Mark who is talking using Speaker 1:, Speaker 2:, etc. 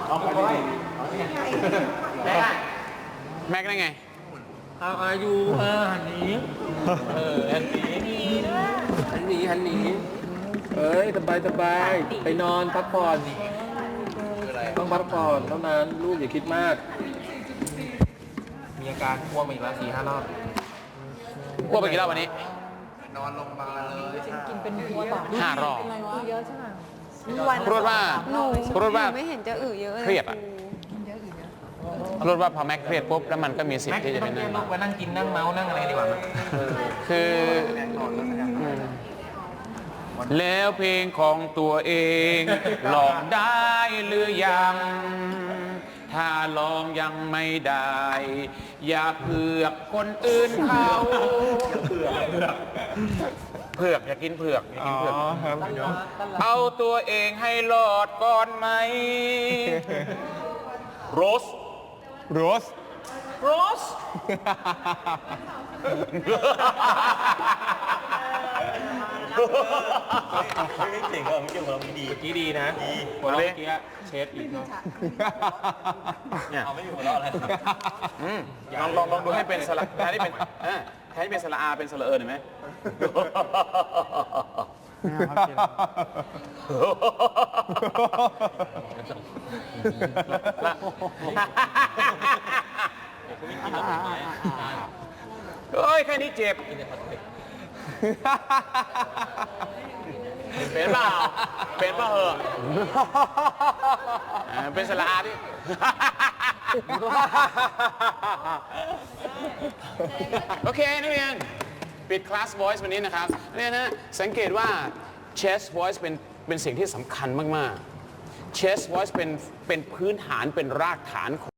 Speaker 1: เอาไปเลยแม็กได้ไง
Speaker 2: อายุหันนี้หันนี้เอ้ยสบายไปนอนพักผ่อนต้องพักผ่อนเท่านั้นลูกอย่าคิดมากมีอาการอ้วกมาอีกแล้ว4-5 รอบ
Speaker 1: อ้วกไปกี่รอบวันนี้
Speaker 2: นอนโรงพยาบาลเลย
Speaker 3: กินเป็นหัวต่อ
Speaker 1: 5 รอบ
Speaker 3: เยอะใช่ไหม
Speaker 1: พูดว่า
Speaker 3: หนู
Speaker 1: พูดว่า
Speaker 3: ไม่เห็นจะเยอะเลย
Speaker 1: เครียดอ่ะพูดว่าพอแม็กเครียดปุ๊บแล้วมันก็มีสิท
Speaker 2: แม็
Speaker 1: ธิ์
Speaker 2: ก
Speaker 1: ที่
Speaker 2: ซ์
Speaker 1: จะ
Speaker 2: ต้
Speaker 1: เป็
Speaker 2: อน ง
Speaker 1: นั่
Speaker 2: เรีย
Speaker 1: น
Speaker 2: กลูกไปนั่งกินนั่งเมาส์นั่งอะไรดีกว่ามั้ย
Speaker 1: คือแล้วเพลงของตัวเองลองได้หรือยัง ถ้าลองยังไม่ได้ อย่าเผือกคนอื่นเขาเผือกอย่ากินเผือกอย่ากินเผือกเอาตัวเองให้รอดก่อนไหมโรส
Speaker 4: โรส
Speaker 1: โรส
Speaker 2: ไม่เจ๋งอ่ะไม่เจ๋งเราดีเมื่อกี้ดีนะหัวเราะเมื่อกี้เชฟอีกเนาะ
Speaker 1: เนี่ย
Speaker 2: เอาไม่อยู่หัวเราะอะไร
Speaker 1: ลองดูให้เป็นสระแทนที่เป็นแทนที่เป็นสระอาเป็นสระเอิญเห็นไหมเฮ้ยแค่นี้เจ็บเป็นเปล่าเป็นเปล่าเหอะเป็นสระอาดิโอเคนักเรียนปิดคลาส voice วันนี้นะครับเนี่ยนะสังเกตว่า chest voice เป็นสิ่งที่สำคัญมากๆ chest voice เป็นพื้นฐานเป็นรากฐานของ